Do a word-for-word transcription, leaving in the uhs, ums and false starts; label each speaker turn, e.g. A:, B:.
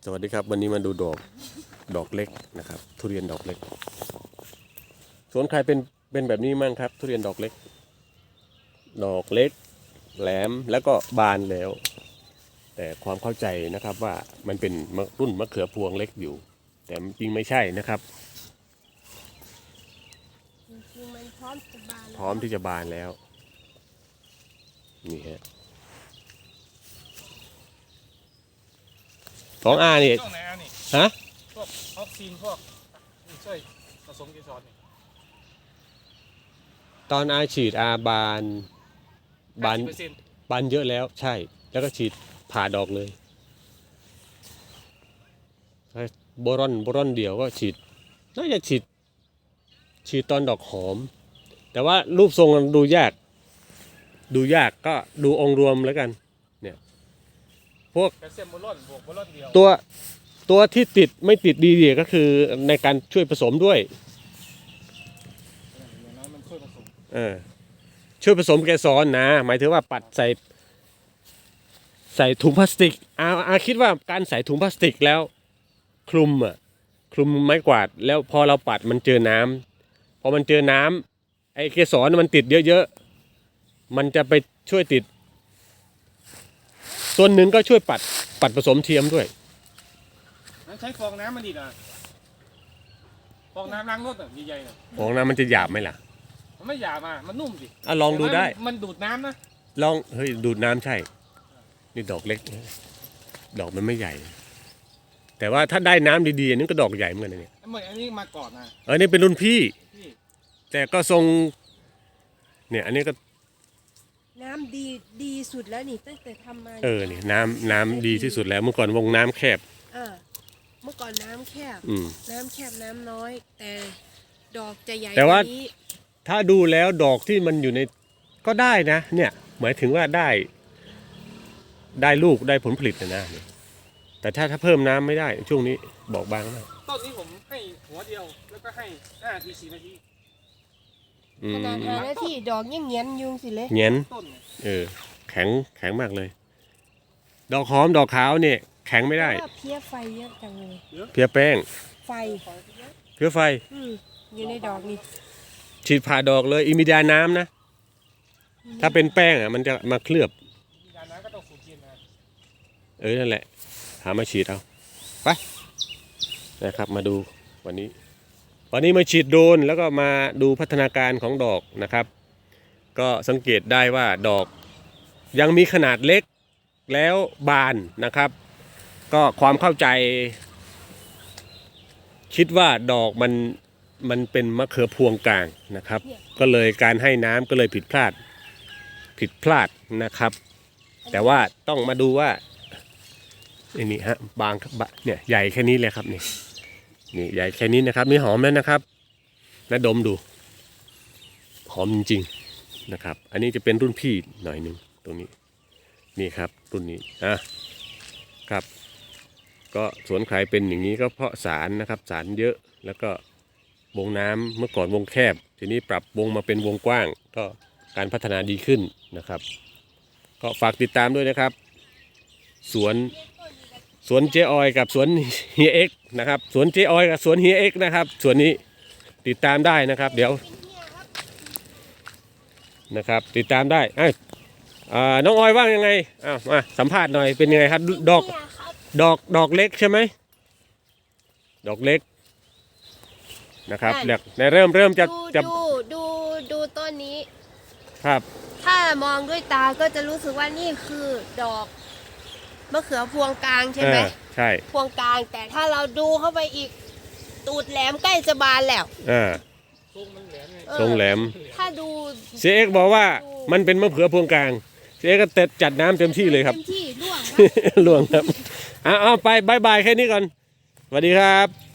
A: สวัสดีครับวันนี้มาดูดอกดอกเล็กนะครับทุเรียนดอกเล็กสวนใครเป็นเป็นแบบนี้มั่งครับทุเรียนดอกเล็กดอกเล็กแหลมแล้วก็บานแล้วแต่ความเข้าใจนะครับว่ามันเป็นรุ่นมะเขือพวงเล็กอยู่แต่จริงไม่ใช่นะครับ
B: จริงๆมันพร้อมจะบานแล้ว
A: พร้อมที่จะบานแล้วนี่ฮะของอาเนี่ย
C: ช่วงไหนอ่ะนี่
A: ฮะ
C: พวกออกซินพวกนี่ช่วยผสมเกสรนี่
A: ตอนอาฉีดอาบานบาน
C: ห้สิเปอร์เซ็นต์
A: บานเยอะแล้วใช่แล้วก็ฉีดผ่าดอกเลยโบรอนโบรอนเดียวก็ฉีดน่าจะฉีดฉีดตอนดอกหอมแต่ว่ารูปทรงมันดูยากดูยากก็ดูองค์รวมแล้วกันเนี่ยพวก
C: แคลเซียมโบรอนบวกโบรอนเดียว
A: ตัวตัวที่ติดไม่ติดดีๆก็คือในการช่วยผสมด้วย
C: อย่างนั้นมันช่วยผสม
A: เออช่วยผสมเกสรนะหมายถึงว่าปัดใส่ใส่ถุงพลาสติกอาอาคิดว่าการใส่ถุงพลาสติกแล้วคลุมอ่ะคลุมไม้กวาดแล้วพอเราปัดมันเจอน้ำพอมันเจอน้ำไอ้เกสรมันติดเยอะๆมันจะไปช่วยติดส่วนหนึ่งก็ช่วยปัดปัดผสมเทียมด้วย
C: นั้นใช้ฟองน้ำมันดีนะฟองน้ำล้างรถอ่ะใหญ่ๆน่ะ
A: ของน้ำมันจะหยาบไหมล่ะ
C: มันไม่หยาบมามันนุ่มสิ
A: อ่ะลองดูได้
C: แต่มันดูดน้ำนะ
A: ลองเฮ้ยดูดน้ำใช่นี่ดอกเล็กดอกมันไม่ใหญ่ แต่ว่าถ้าได้น้ำดีๆอันนี้ก็ดอกใหญ่เหมือนกันนะเนี่ย
C: ไอ้เหมือนอันนี้มาก่อนนะ
A: เออนี่เป็นรุ่นพี่
C: พี่
A: แต่ก็ทรงเนี่ยอันนี้ก็
B: น้ำดีดีสุดแล้วนี่ตั้งแต่ทำมา
A: เออนี่น้ำน้ำดีที่สุดแล้วเมื่อก่อนวงน้ำแคบ
B: เออเมื่อก่อนน้ำแคบ
A: อืม
B: น้ำแคบน้ำน้อย แต่ดอกจะใหญ่
A: แต่ว่า
B: กนี้
A: ถ้าดูแล้วดอกที่มันอยู่ในก็ได้นะ เนี่ยหมายถึงว่าได้ ได้ลูกได้ผลผลิตนะนะแต่ถ้าถ้าเพิ่มน้ำไม่ได้ช่วงนี้บอกบางนะ
C: ต้นนี้ผมให้หัวเดียวแล้วก็ให้ห้าทีสี่นาที
A: อื
B: ข
A: ม
B: นาดหาหน้าที่ดอกยังเงี้ยนยุงสิเลย
A: เงี้ยน
C: ต้นเนี่ย
A: เออแข็งแข็งมากเลย ดอกหอมดอกขาวเนี่ยแข็งไม่ได้
B: เพราะว่าเพี้ยไฟเยอะจังเลย
A: เพี้ยแป้ง
B: ไฟ
A: เพี้ยไฟ
B: อืมอยู่ในดอกนี่
A: ฉีดผ่าดอกเลยอิมิดาน้ำนะ ถ้าเป็นแป้งอ่ะมันจะมาเคลือบ
C: มีการน้ำก็ต้องสูดเย็นนะ
A: เออนั่นแหละหามาฉีดเอาไปนะครับมาดูวันนี้ วันนี้มาฉีดโดรนแล้วก็มาดูพัฒนาการของดอกนะครับ ก็สังเกตได้ว่าดอกยังมีขนาดเล็กแล้วบานนะครับ ก็ความเข้าใจ คิดว่าดอกมันมันเป็นมะเขือพวงกลางนะครับ ก็เลยการให้น้ำก็เลยผิดพลาดผิดพลาดนะครับ แต่ว่าต้องมาดูว่าอันนี้ฮะบางเนี่ยใหญ่แค่นี้เลยครับนี่นี่ใหญ่แค่นี้นะครับนี่หอมแล้วนะครับและดมดูหอมจริงๆนะครับ อันนี้จะเป็นรุ่นพี่หน่อยหนึ่งตรงนี้นี่ครับรุ่นนี้อ่ะครับก็สวนใครเป็นอย่างนี้ก็เพราะสารนะครับสารเยอะแล้วก็วงน้ำเมื่อก่อนวงแคบทีนี้ปรับวงมาเป็นวงกว้างก็การพัฒนาดีขึ้นนะครับ ก็ฝากติดตามด้วยนะครับสวนสวนเจออยกับสวนเฮียเอ็กนะครับสวนเจออยกับสวนเฮียเอ็กนะครับสวนนี้ติดตามได้นะครับ เดี๋ยวนะครับติดตามได้เอ้ยอ่าน้องออยว่างยังไงอ้าวมาสัมภาษณ์หน่อยเป็นยังไงครับดอกดอกดอกเล็กใช่ไหมดอกเล็กนะครับเรียกในเริ่มเริ่มจะ
B: ดู
A: จะ
B: ดูดูดูต้นนี้
A: ครับ
B: ถ้ามองด้วยตาก็จะรู้สึกว่านี่คือดอกมะเขือพวงกลางใช่ไหม
A: เออใช่
B: พวงกลางแต่ถ้าเราดูเข้าไปอีกตูดแหลมใกล้จะบานแล้ว
A: อ่า
C: ทรงมันแหลมไง
B: เออ
A: ทรงแหลม
B: ถ้าดู
A: เสียเอกบอกว่ามันเป็นมะเขือพวงกลางเสียเอกก็เต็ดจัดน้ำเต็มที่เลยครับ
B: เต็มที่ร่วง
A: ล่วงครับเอาเอาไปบายบายแค่นี้ก่อนสวัสดีครับ